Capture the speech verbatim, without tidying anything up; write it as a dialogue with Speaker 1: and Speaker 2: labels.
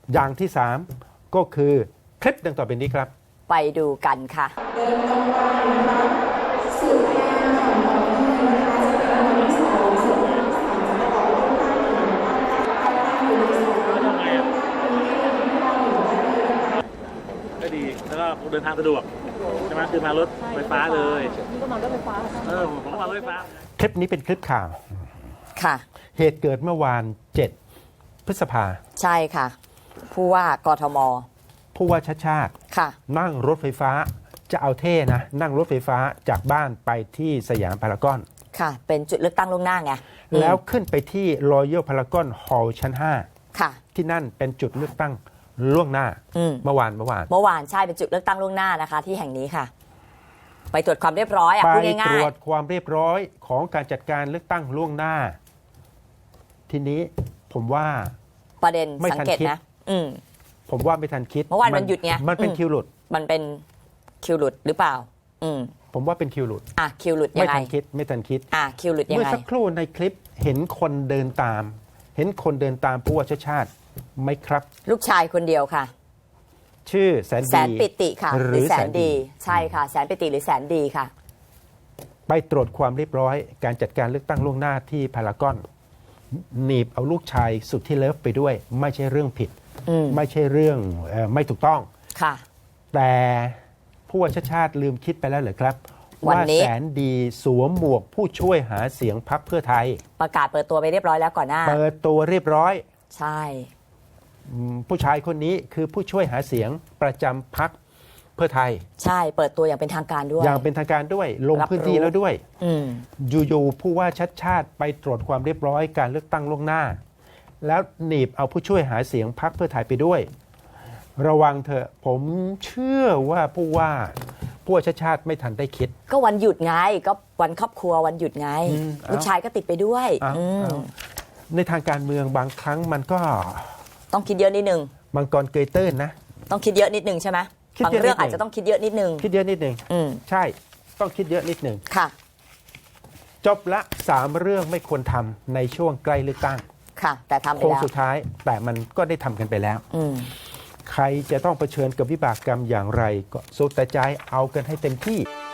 Speaker 1: อย่างที่สามก็คือคลิปดังต่อไปนี้ครับ
Speaker 2: ไปดูกันค่ะเดินกลางวันนะคะสุดแรงของน้องที่นะคะจะเป็นวันที่สองสุดแรงสามจะออกเลือกตั้งอยู่ในบ้านอยู่ในสวนทำไงอ่ะ
Speaker 3: ก็ดีแล้วก็เดินทางสะดวกใช่ไหมคือมารถไฟฟ้าเลย
Speaker 4: นี่ก็มารถไฟฟ้า
Speaker 3: เออผมก็มารถไฟฟ้า
Speaker 1: คลิปนี้เป็นคลิปข่าว
Speaker 2: ค่ะ
Speaker 1: เหตุเกิดเมื่อวานเจ็ดพฤษภา
Speaker 2: ใช่ค่ะผู้ว่ากทม
Speaker 1: ผู้ว่าชาติชาติ
Speaker 2: ค่ะ
Speaker 1: นั่งรถไฟฟ้าจะเอาเท่นะนั่งรถไฟฟ้าจากบ้านไปที่สยามพารากอน
Speaker 2: ค่ะเป็นจุดเลือกตั้งล่วงหน้าไง
Speaker 1: แล้วขึ้นไปที่รอยัลพารากอนฮอลล์ชั้นห้า
Speaker 2: ค่ะ
Speaker 1: ที่นั่นเป็นจุดเลือกตั้งล่วงหน้าเมื่อวานเมื่อวาน
Speaker 2: เมื่อวานใช่เป็นจุดเลือกตั้งล่วงหน้านะคะที่แห่งนี้ค่ะไปตรวจความเรียบร้อยอ่ะพูดง่ายๆ
Speaker 1: ไปตรวจความเรียบร้อยของการจัดการเลือกตั้งล่วงหน้าทีนี้ผมว่า
Speaker 2: ประเด็นสังเกตนะอืม
Speaker 1: ผมว่าไม่ทันคิด
Speaker 2: เมื่อวานมันหยุดไง
Speaker 1: มันเป็นคิวหลุด
Speaker 2: มันเป็นคิวหลุดหรือเปล่าอืม
Speaker 1: ผมว่าเป็นคิวหลุด
Speaker 2: อ่ะคิวหลุดยังไง
Speaker 1: ไม่ทันคิดไม่ทันคิด
Speaker 2: อ่ะคิวหลุดยังไง
Speaker 1: เมื่อสักครู่ในคลิปเห็นคนเดินตามเห็นคนเดินตามผู้ว่าชาติชาติไหมครับ
Speaker 2: ลูกชายคนเดียวค่ะ
Speaker 1: ชื่อแสนดี
Speaker 2: แสนปิติค่ะหรือแสนดีใช่ค่ะแสนปิติหรือแสนดีค่ะ
Speaker 1: ไปตรวจความเรียบร้อยการจัดการเลือกตั้งล่วงหน้าที่พารากอนหนีบเอาลูกชายสุดที่เลิฟไปด้วยไม่ใช่เรื่องผิดไม่ใช่เรื่องเอ่อไม่ถูกต้อง
Speaker 2: ค่ะ
Speaker 1: แต่ผู้ว่าชาติชาติลืมคิดไปแล้วเหรอครับ
Speaker 2: ว่า
Speaker 1: แสนดีสวมหมวกผู้ช่วยหาเสียงพรรคเพื่อไทย
Speaker 2: ประกาศเปิดตัวไปเรียบร้อยแล้วก่อนหน้า
Speaker 1: เปิดตัวเรียบร้อย
Speaker 2: ใช่
Speaker 1: ผู้ชายคนนี้คือผู้ช่วยหาเสียงประจำพรรคเพื่อไทย
Speaker 2: ใช่เปิดตัวอย่างเป็นทางการด้วย
Speaker 1: อย่างเป็นทางการด้วยลงพื้นที่แล้วด้วยอยู่ๆผู้ว่าชัดชาติไปตรวจความเรียบร้อยการเลือกตั้งล่วงหน้าแล้วหนีบเอาผู้ช่วยหาเสียงพรรคเพื่อไทยไปด้วยระวังเถอะผมเชื่อว่าผู้ว่าผู้ว่าชัดชาติไม่ทันได้คิด
Speaker 2: ก็วันหยุดไงก็วันครอบครัววันหยุดไงลูกชายก็ติดไปด้วย
Speaker 1: ในทางการเมืองบางครั้งมันก็
Speaker 2: ต้องคิดเยอะนิดนึง
Speaker 1: มังกรเกยตื้นนะ
Speaker 2: ต้องคิดเยอะนิดนึงใช่ไหมบางเรื่องอาจจะต้องคิดเยอะนิดนึง
Speaker 1: คิดเยอะนิดนึงใช่ต้องคิดเยอะนิดนึง
Speaker 2: ค่ะ
Speaker 1: จบละสามเรื่องไม่ควรทำในช่วงใกล้เลือกตั้ง
Speaker 2: ค่ะแต่ทำไป
Speaker 1: แล้วโค้ง
Speaker 2: สุ
Speaker 1: ดท้ายแต่มันก็ได้ทำกันไปแล้วใครจะต้องเผชิญกับวิบากกรรมอย่างไรก็สุดแต่ใจเอากันให้เต็มที่